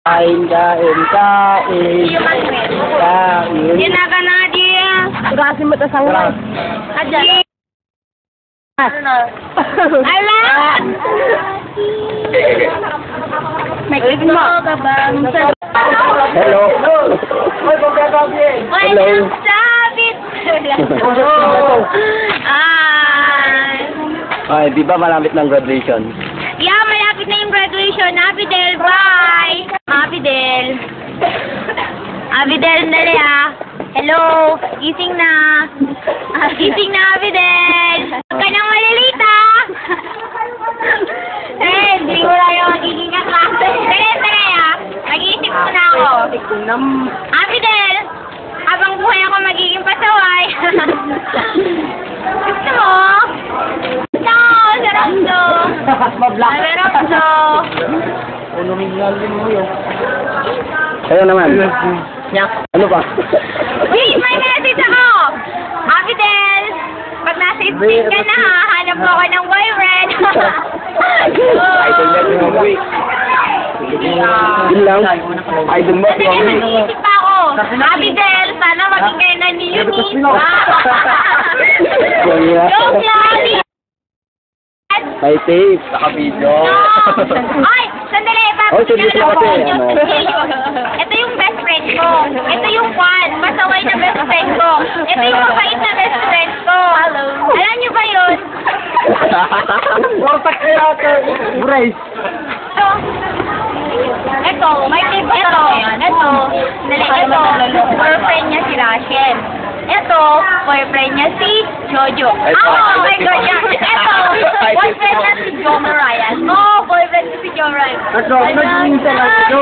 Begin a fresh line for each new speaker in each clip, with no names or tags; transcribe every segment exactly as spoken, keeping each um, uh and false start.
Kain, kain, kain. Kain.
Yan na ka na, dia.
Kasi mo tasang lang.
Aja. Ala! May mo ka bang sa...
Hello.
Hello. Sabit! Ay.
Ay, di ba malapit ng graduation?
Yeah, malapit na yung graduation. Happy Del, bye! Happy Del. Happy Del, dali ah. Hello, gising na. Ah, gising na, Happy Del. Huwag ka nang malilita. Eh, hindi ko lang yung magiging kaklase. Dali, dali ah. Mag-iisip muna ako. Happy Del, habang buhay ako magiging pasaway. Gusto mo? No, sarap to. Sarap to.
Kayo naman. Ano pa?
Wait, may message ako! Happy Del! Pag nasa street ka na ha, hanap mo ako ng boyfriend.
Idol na si Mami. Yun lang. Idol mo si
Kasi
Mami.
nag-iisip pa ako. Happy Del, sana maging kayo na ni Eunice. Joke lang!
May tape. Naka-video.
No! Ay! Sandali!
Oh, sige
Papagyan
lang
ako.
kasi, ano.
Ito yung best friend ko. Ito yung Juan. Masaway na best friend ko. Ito yung mabait na best friend ko. Hello. Alam niyo ba yun?
Wartak kaya ito. Brace.
Ito. Ito. May tip ito. Ito. Dali. Ito. Boyfriend niya si Rachel. Ito. Boyfriend niya si Jojo. Oh my God. Ito. Boyfriend niya si Joe Mariah. Oh, boyfriend niya si Joe Mariah.
Ito, naging sa lato.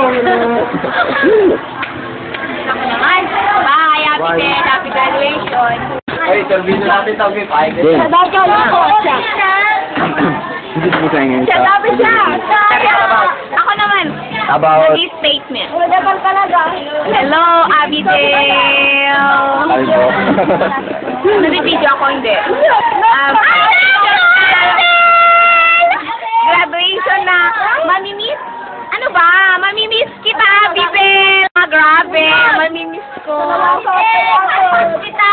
Ako naman. Bye. Happy day. Happy graduation.
Ay, interview na natin tawag yung pahay.
Sabaw ako siya.
Hindi mo sa ngayon.
Siya, sabi siya. Ako naman.
About...
Naging statement. Hello, Abigail.
Albo.
Nabibidyo ako, hindi. Um, graduation na. Mamimiss. Ano ba? Mamimiss kita, Abigail. Ah, grabe. Mamimiss ko. Kita.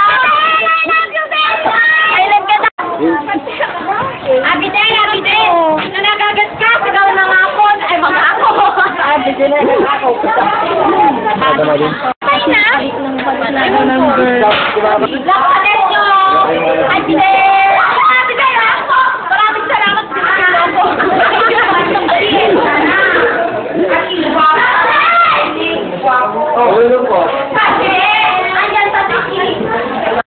Kailan ka na? Abigail, Abigail. Nung nagagas ka, sigaw ng hapon. Ay, mga ako. Abigail na ako.
Ano na din?
Ay na. Lakpatin nyo. Abigail. Abigail, ako. Maraming salamat sa mga ako.
Oh, ano po?